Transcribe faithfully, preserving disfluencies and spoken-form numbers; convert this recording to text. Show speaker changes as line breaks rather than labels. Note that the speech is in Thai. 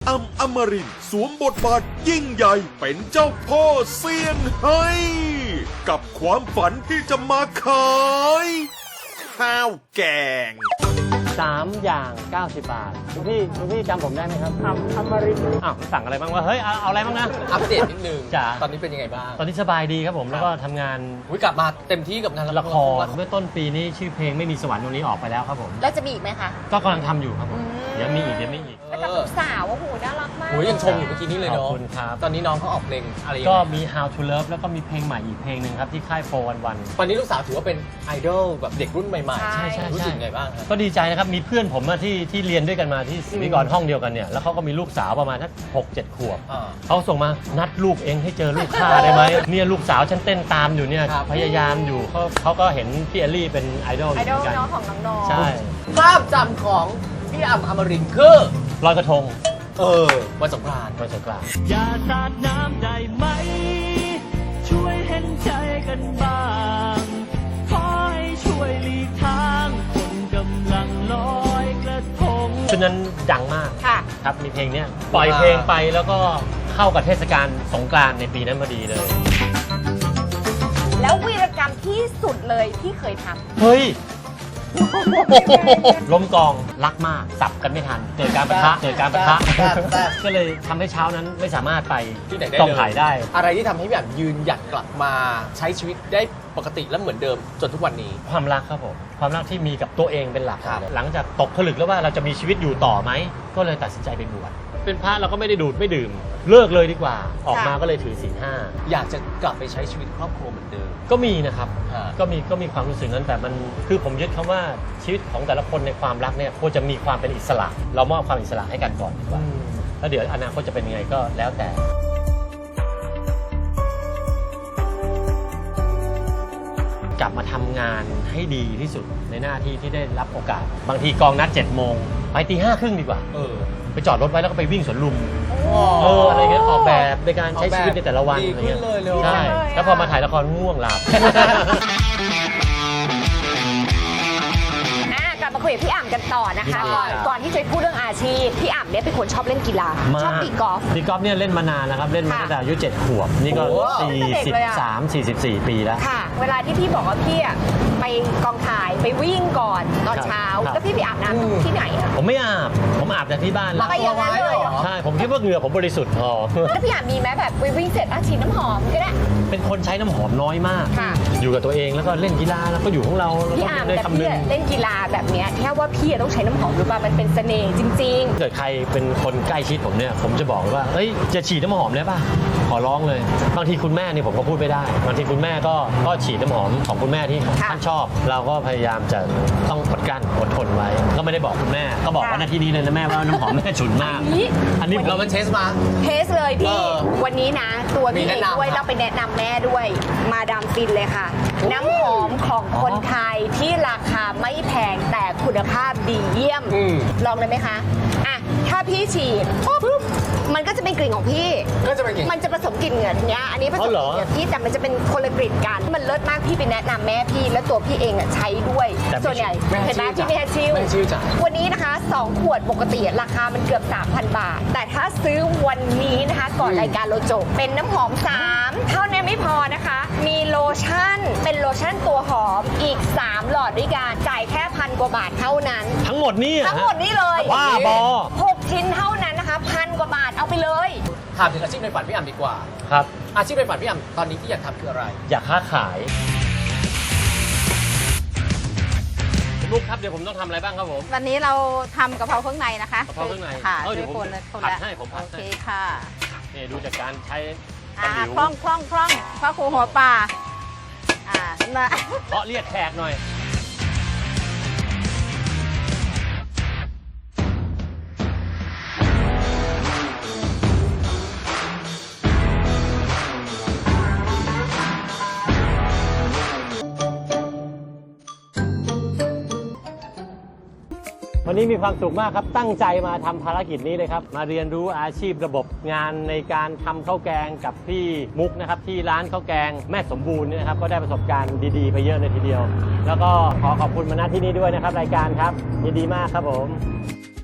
อ่ำอมรินทร์สวมบทบาทยิ่งใหญ่เป็นเจ้าพ่อเซี่ยงไฮ้กับความฝันที่จะมาขายข้าวแกง
สามอย่างเก้าสิบบาทคุณพี่คุณพี่จำผมได้ไหมครับครับอมรินทร์อ้าวสั่งอะไรบ้างวะเฮ้ยเอาเอาอะไรบ้างนะ
อัปเดตนิดนึง
จ้ะ
ตอนนี้เป็นยังไงบ้าง
ตอนนี้สบายดีครับผมแล้วก็ทำงาน
อุ๊ยกลับมาเต็มที่กับงาน
ละครเมื่อต้นปีนี้ชื่อเพลงไม่มีสวรรค์ตรงนี้ออกไปแล้วครับผม
แล้วจะมีอีกไหมคะ
ก็กำลังทำอยู่ครับผมเดี๋ยวมีอีกเดี๋ยวมีอีก
แล้วกับลูกสาวโอ้โหน่ารักมาก
โอ้ยยังชมอยู่เมื่อกี้นี้เลย
ขอบ
เนาะ
คุณครับ
ตอนนี้น้องเขาออกเพลงอะไรยัง
ก็
ไง
มี How to Love แล้วก็มีเพลงใหม่อีกเพลงหนึ่งครับที่ค่ายโฟร์วันวัน
ตอนนี้ลูกสาวถือว่าเป็นไอดอลแบบเด็กรุ่นใหม่ๆ
ใช่
ใช่
รู้สึกไงบ้างครับ
ก็ดีใจนะครับมีเพื่อนผมอะที่ที่เรียนด้วยกันมาที่ศิริกรห้องเดียวกันเนี่ยแล้วเขาก็มีลูกสาวประมาณสักหกเจ็ดขวบ
อ่า
เขาส่งมานัดลูกเองให้เจอลูกข้าได้ไหมเนี่ยลูกสาวฉันเต้นตามอยู่เนี่ย
ครับ
พยายามอยู่เขาเขาก็เห็นพี่เอลลี่เป็นไอดอลอ
ไอยู่ ด
เห
อ
มือนกัน
ลน้องของน้องๆ
ใช่
ภาพจำของพี่อ่ำอมรินทร์คือ
ลอยกระทง
เออวันสงกรานต์
วันสงกรานต์
อย่าสาดน้ำได้ไหม ช่วยเห็นใจกันบ้างขอให้ช่วยหลีกทางคนกำลังลอยกระทง
ชุดนั้นดังมาก
ค่ะ
ครับมีเพลงเนี้ยปล่อยเพลงไปแล้วก็เข้ากับเทศกาลสงกรานต์ในปีนั้นพอดีเลย
แล้ววีรกรรมที่สุดเลยที่เคยทำ
เฮ้ย ล้มกองรักมากสับกันไม่ทันเกิดการปะทะเกิดการปะทะ
แซ่บแซ่บ
ก็เลยทำให้เช้านั้นไม่สามารถไป
ที่ไหนได้
ต้อง
เลย
ถ่ายได้
อะไรที่ทำให้แบบยืนหยัดกลับมาใช้ชีวิตได้ปกติและเหมือนเดิมจนทุกวันนี้
ความรักครับผมความรักที่มีกับตัวเองเป็นหลัก
ครับ
หลังจากตกผลึกแล้วว่าเราจะมีชีวิตอยู่ต่อไหมก็เลยตัดสินใจไปบวชเป็นพระเราก็ไม่ได้ดูดไม่ดื่ม เลิกเลยดีกว่า ออกมาก็เลยถือศีลห้า
อยากจะกลับไปใช้ชีวิตครอบครัวเหมือนเดิม
ก็มีนะครับ
ฮะ
ก็มีก็มีความรู้สึกนั้นแต่มันคือผมยึดคำว่าชีวิตของแต่ละคนในความรักเนี่ยควรจะมีความเป็นอิสระ เรามอบความอิสระให้กันก่อนดีกว่าแล้วเดี๋ยวอนาคตจะเป็นยังไงก็แล้วแต่ กลับมาทำงานให้ดีที่สุดในหน้าที่ที่ได้รับโอกาส บางทีกองนัดเจ็ดโมงไปตีห้าครึ่งดีกว่า
เออ
ไปจอดรถไว้แล้วก็ไปวิ่งสวนลุมเอออะไรเงี้ยออกแบบในการใช้ชีวิตในแต่ละวัน
ดี
อะไร
ขึ้
เงี้
น
ย
เลยเร็ว
ใช่แล้วพอมาถ่ายละครง่วงหลับ
อ่ะกลับมาคุยกับพี่อ่ำกันต่อนะคะ
ดี
ก่อน
ครับ
ก่อนที่จะพูดเรื่องอาชีพ พี่อ่ำเนี่ยเป็นคนชอบเล่นกีฬา ชอบตีกอล์ฟ
ตีกอล์ฟเนี่ยเล่นมานานแล้วครับ เล่นมา
ค่ะ
ตั้งแต่อายุเจ็ดขวบ นี่ก็
โอ้
สี่สิบสาม สี่สิบสี่ปีแล้ว
ค่ะ เวลาที่พี่บอกว่าพี่อ่ะไปกองถ่ายไปวิ่งก่อนตอนเช้า
ครับ
แล้วพี่ไปอาบน้ำที่ไหนอะ
ผมไม่อาบ ผมอาบแต่ที่บ้านแล้ว
ไปอย่างนั้นเลยเหรอ
ใช่ ผมคิดว่าเหงื่อผมบริสุทธิ์พอ
แล้วพี่อ่ำมีไหมแบบไปวิ่งเสร็จอาฉีดน้ำหอมก็ได้
เป็นคนใช้น้ำหอมน้อยมาก
ค่ะ
อยู่กับตัวเองแล้วก็เล่นกีฬาแล้วก็อยู่ของเราแล้ว
พี่
ก็
อ่ำ
ได้
แต่
คำนึ
พี่
ง
อะเล่นกีฬาแบบเนี้ยแค่ว่าพี่อะต้องใช้น้ำหอมหรือเปล่ามันเป็นเสน่ห์จริง
เกิดใครเป็นคนใกล้ชิดผมเนี่ยผมจะบอกเลยว่าเฮ้ยจะฉีดน้ำหอมได้ป่ะขอร้องเลย บางทีคุณแม่นี่ผมก็พูดไม่ได้ บางทีคุณแม่ก็ก็ฉีดน้ำหอมของคุณแม่ที่
ค่ะ
ท่านชอบ เราก็พยายามจะต้องอดกลั้นอดทนไว้ ก็ไม่ได้บอกคุณแม่ ก็บอก
ค่ะ
ว่าหน้าที่นี้เลยนะแม่ว่าน้ำหอมแม่ฉุนมาก
ๆนี่
อันนี้
เรามาเทสมา
เทสเลยพี่
เออ
วันนี้นะ ตัวพี่
มี
เอ
แนะ
ง
นำ
ด้วย
ครับ
เราไปแนะนำแม่ด้วย มาดามฟินเลยค่ะ น้ำหอมของคนไทยที่ราคาไม่แพงแต่คุณภาพดีเยี่ยม
อืม
ลองเลยไหมคะอ่ะถ้าพี่ฉีดปุ๊บมันก็จะเป็นกลิ่นของพี่
ก็จะเป็นกลิ่น
มันจะผสมกลิ่นเหงื่อเนี้ยอันนี้ผสมกลิ่นเหงื่อพี่แต่มันจะเป็นคนละกลิ่นกัน มันเลิศมากพี่ไปแนะนำแม่พี่แล้วตัวพี่เองอ่ะใช้ด้วย
แต่ไม่
ส่วนใหญ่
แม่
เห็นไหม
ชื่อ
พี่ไม่ให้ชิว
แม่ชื่อจ้ะ
วันนี้นะคะสองขวดปกติราคามันเกือบ สามพัน บาท แต่ถ้าซื้อวันนี้นะคะ ก่อนรายการเราจบเป็นน้ำหอม สาม เท่านั้นไม่พอนะคะ มีโลชั่น เป็นโลชั่นตัวหอมอีก สาม หลอดด้วยกันจ่ายแค่พันกว่าบาทเท่านั้น
ทั้งหมดนี่อะ
ทั้งหมดนี้เลย
ว่าบอ
หกชิ้นเท่านั้นนะคะพันกว่าบาทเอาไปเลย
ถามถึงอาชีพในฝันพี่อ่ำดีกว่า
ครับ
อาชีพในฝันพี่อ่ำตอนนี้ที่อยากทำคืออะไร
อยากค้าขายคุณลูกครับเดี๋ยวผมต้องทำอะไรบ้างครับผม
วันนี้เราทำกะเพราเครื่องในนะคะ
กะเพราเครื่องใน
ค่ะ
เอ้าเดี๋
ช่
ยว วย ผม
คนละคน
ผัด
ละ
ให้ผมผัด
โอ
ให้
เคค่ะ
นี่ดูจากการใช้ตะ
อ่า
หลิว
คล่องคล่องคล่องพ่อครูหัวป่าอ่ามา
เพาะเรียกแขกหน่อย วันนี้มีความสุขมากครับ ตั้งใจมาทำภารกิจนี้เลยครับ มาเรียนรู้อาชีพระบบงานในการทำข้าวแกงกับพี่มุกนะครับ ที่ร้านข้าวแกงแม่สมบูรณ์เนี่ยนะครับ ก็ได้ประสบการณ์ดีๆ ไปเยอะเลยทีเดียว แล้วก็ขอขอบคุณมาณที่นี้ด้วยนะครับ รายการครับยินดีมากครับผม